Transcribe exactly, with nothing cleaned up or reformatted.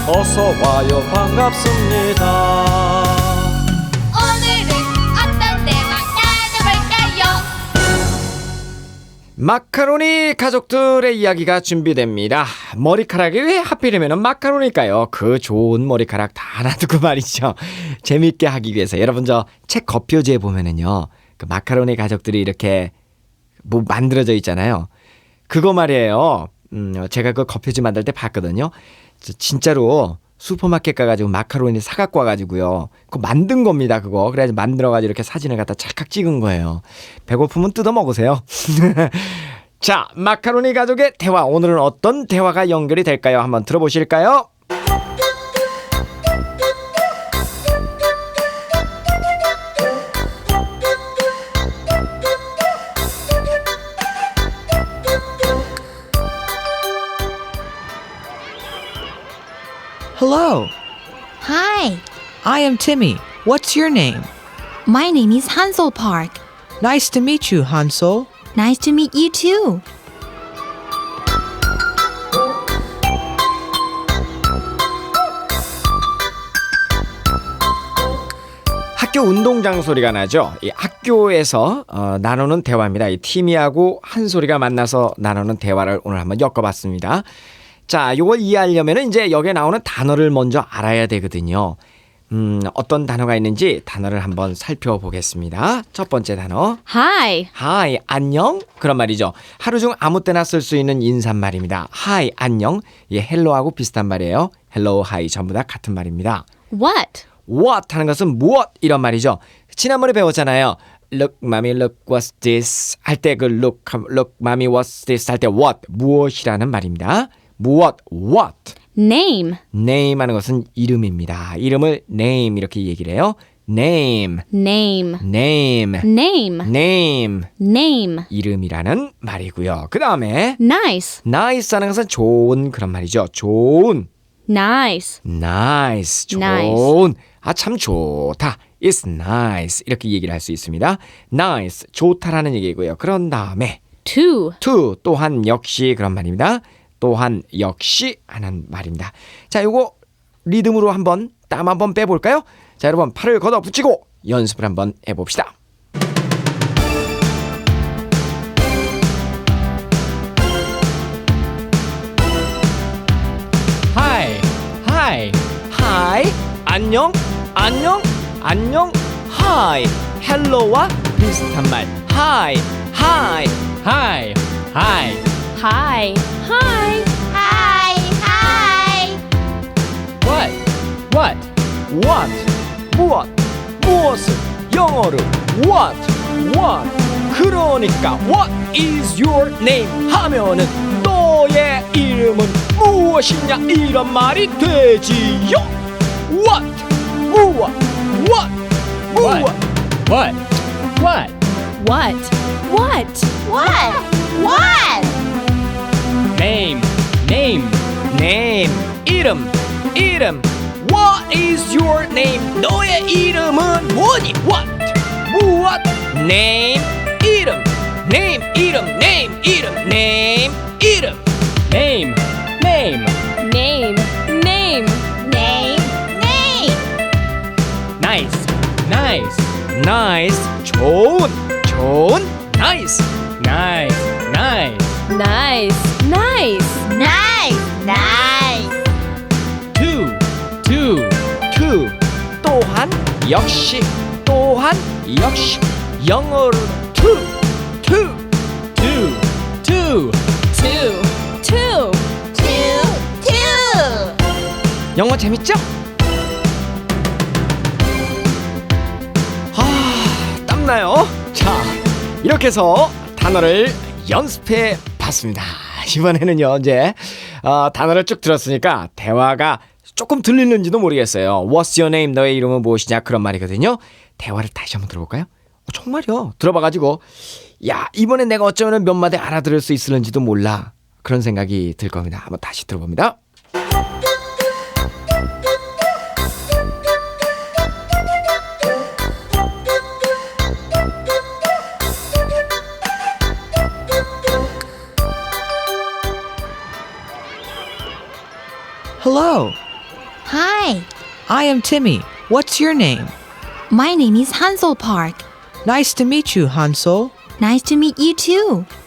어서 와요 반갑습니다. 오늘은 어떤 대화 나눠볼까요? 마카로니 가족들의 이야기가 준비됩니다. 머리카락이 왜 하필이면 마카로니일까요? 그 좋은 머리카락 다 놔두고 말이죠. 재밌게 하기 위해서 여러분 저 책 겉표지에 보면은요 그 마카로니 가족들이 이렇게 뭐 만들어져 있잖아요. 그거 말이에요. 음, 제가 그 겉표지 만들 때 봤거든요. 진짜로 슈퍼마켓 가가지고 마카로니 사갖고 와가지고요. 그거 만든 겁니다, 그거. 그래가지고 만들어가지고 이렇게 사진을 갖다 찰칵 찍은 거예요. 배고프면 뜯어 먹으세요. 자, 마카로니 가족의 대화. 오늘은 어떤 대화가 연결이 될까요? 한번 들어보실까요? Hello, Hi, I am Timmy. What's your name? my name is Hansel Park. Nice to meet you, Hansel. Nice to meet you too. 학교 운동장 소리가 나죠. 이 학교에서 어, 나누는 대화입니다. 이 티미하고 한솔이가 만나서 나누는 대화를 오늘 한번 엮어봤습니다. 자, 이걸 이해하려면 이제 여기에 나오는 단어를 먼저 알아야 되거든요. 음, 어떤 단어가 있는지 단어를 한번 살펴보겠습니다. 첫 번째 단어. Hi, Hi, 안녕? 그런 말이죠. 하루 중 아무 때나 쓸 수 있는 인사말입니다. Hi, 안녕. 예, hello하고 비슷한 말이에요. Hello, hi 전부 다 같은 말입니다. what? What 하는 것은 무엇 이런 말이죠. 지난번에 배웠잖아요. Look, mommy, look, what's this? 할 때 그 look, look, mommy, what's this? 할 때 what, 무엇이라는 말입니다. 무엇, what. Name, Name 하는 것은 이름입니다. 이름을 name 이렇게 얘기를 해요. Name, name, name, name, name. name. 이름이라는 말이고요. 그 다음에 Nice, nice 하는 것은 좋은 그런 말이죠. 좋은. nice, nice, 좋은. Nice. 아, 참 좋다. It's nice. 이렇게 얘기를 할 수 있습니다. nice, 좋다라는 얘기고요. 그런 다음에 two, to, 또한 역시 그런 말입니다. 또한 역시 하는 말입니다. 자, 요거 리듬으로 한번 땀 한번 빼볼까요? 자, 여러분 팔을 걷어 붙이고 연습을 한번 해봅시다. Hi, hi, hi, 안녕, 안녕, 안녕, hi, hello와 비슷한 말. Hi, hi, hi, hi. hi, hi, hi, hi. What, what, what, 무엇, 무엇을 영어로 what, what. 그러니까 what is your name 하면은 너의 이름은 무엇이냐 이런 말이 되지요. What, 무엇, what, 무엇. What, what, What? What? What? What? name, name, name. 이름, 이름. What is your name? 너의 이름은 뭐니? What? 무엇? Name, 이름. Name, 이름. Name, 이름. Name, 이름. Name, name. Name, name, name, name. Nice, nice, nice. 좋은, 좋은. Nice, nice, nice. Nice, nice, nice, nice. two, two, two. 또한 역시 또한 역시 영어로 two, two, two, two. Two, two, two, two. 영어 재밌죠? 아, 땀나요? 자, 이렇게 해서 단어를 연습해 봤습니다. 이번에는요, 이제 어, 단어를 쭉 들었으니까 대화가 조금 들리는지도 모르겠어요. What's your name? 너의 이름은 무엇이냐? 그런 말이거든요. 대화를 다시 한번 들어볼까요? 어, 정말요. 들어봐가지고 야, 이번엔 내가 어쩌면 몇 마디 알아들을 수 있을는지도 몰라. 그런 생각이 들 겁니다. 한번 다시 들어봅니다. Hello, Hi, I am Timmy. What's your name? my name is Hansel Park. Nice to meet you, Hansel. Nice to meet you too.